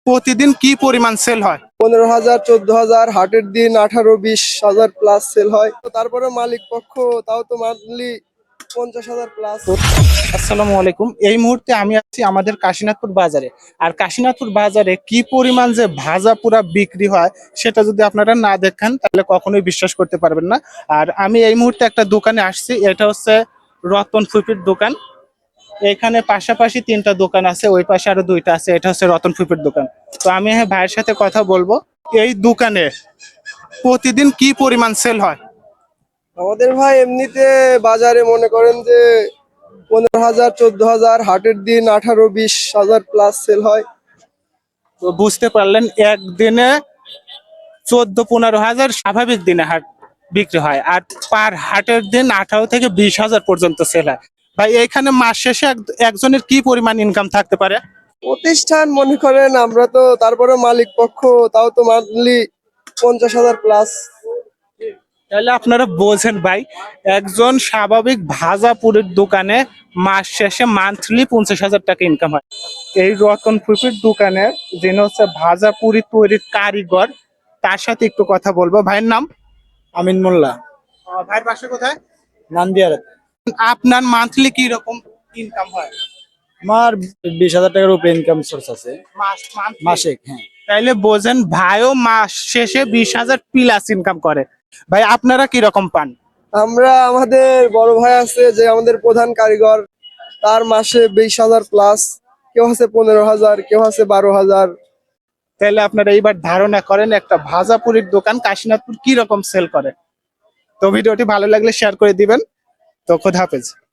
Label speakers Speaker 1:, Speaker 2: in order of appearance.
Speaker 1: প্রতিদিন কি পরিমাণ সেল হয়?
Speaker 2: 15,000 14,000, হাটের দিন 18-20,000 প্লাস সেল হয়। তো তারপরে মালিক পক্ষ তাও তো মান্থলি 50,000 প্লাস।
Speaker 1: আসসালামু আলাইকুম। এই মুহূর্তে আমি আছি আমাদের কাশীনাথপুর বাজারে। আর কাশীনাথপুর বাজারে কি পরিমাণ যে ভাজা পোড়া বিক্রি হয় সেটা যদি আপনারা না দেখেন তাহলে কখনোই বিশ্বাস করতে পারবেন না। আর আমি এই মুহূর্তে একটা দোকানে আসছি, এটা হচ্ছে রতন ফুপির দোকান। এখানে পাশাপাশি তিনটা দোকান আছে, ওই পাশে আরো দুইটা আছে, এটা হচ্ছে রতন ফুপির দোকান। তো আমি ভাইয়ের সাথে কথা বলবো। এই দোকানে প্রতিদিন কি পরিমাণ সেল হয়?
Speaker 2: আমাদের ভাই এমনিতে বাজারে মনে করেন যে 15,000 14,000, হাটের দিন 18-20,000 প্লাস সেল হয়।
Speaker 1: তো বুঝতে পারলেন, একদিনে 14-15 হাজার স্বাভাবিক দিনে হাট বিক্রি হয়, আর পার হাটের দিন 18 থেকে 20 হাজার পর্যন্ত সেল হয়। ভাই এখানে মাস শেষে একজনের কি পরিমাণ ইনকাম থাকতে পারে?
Speaker 2: প্রতিষ্ঠান মনে করেন আমরা তো তারপরে মালিক পক্ষ তাও তো মান্থলি 50,000 প্লাস।
Speaker 1: তাহলে আপনারা বোঝেন ভাই, একজন স্বাভাবিক ভাজাপুরের দোকানে মাস শেষে মান্থলি 50,000 টাকা ইনকাম হয়। এই রতন ফুপির দোকানে যিনি হচ্ছে ভাজাপুরি তৈরির কারিগর, তার সাথে একটু কথা বলবো। ভাইয়ের নাম?
Speaker 3: আমিন মোল্লা,
Speaker 1: ভাইয়ের বাসা কোথায়?
Speaker 3: নান্দিয়ার।
Speaker 1: আপনার মান্থলি কি রকম ইনকাম হয়?
Speaker 3: আমার 20,000 টাকার উপরে ইনকাম সোর্স আছে
Speaker 1: monthly?
Speaker 3: মাসে। হ্যাঁ,
Speaker 1: তাইলে বোঝেন ভাইও মাস শেষে 20,000 প্লাস ইনকাম করে। ভাই আপনারা কি রকম পান?
Speaker 2: আমরা আমাদের বড় ভাই আছে যে আমাদের প্রধান কারিগর, তার মাসে 20,000 প্লাস, কেউ আছে 15,000, কেউ আছে 12,000।
Speaker 1: তাহলে আপনারা এইবার ধারণা করেন একটা ভাজাপুরির দোকান কাশীনাথপুর কি রকম সেল করে। তো ভিডিওটি ভালো লাগলে শেয়ার করে দিবেন। তো খোদা হাফেজ।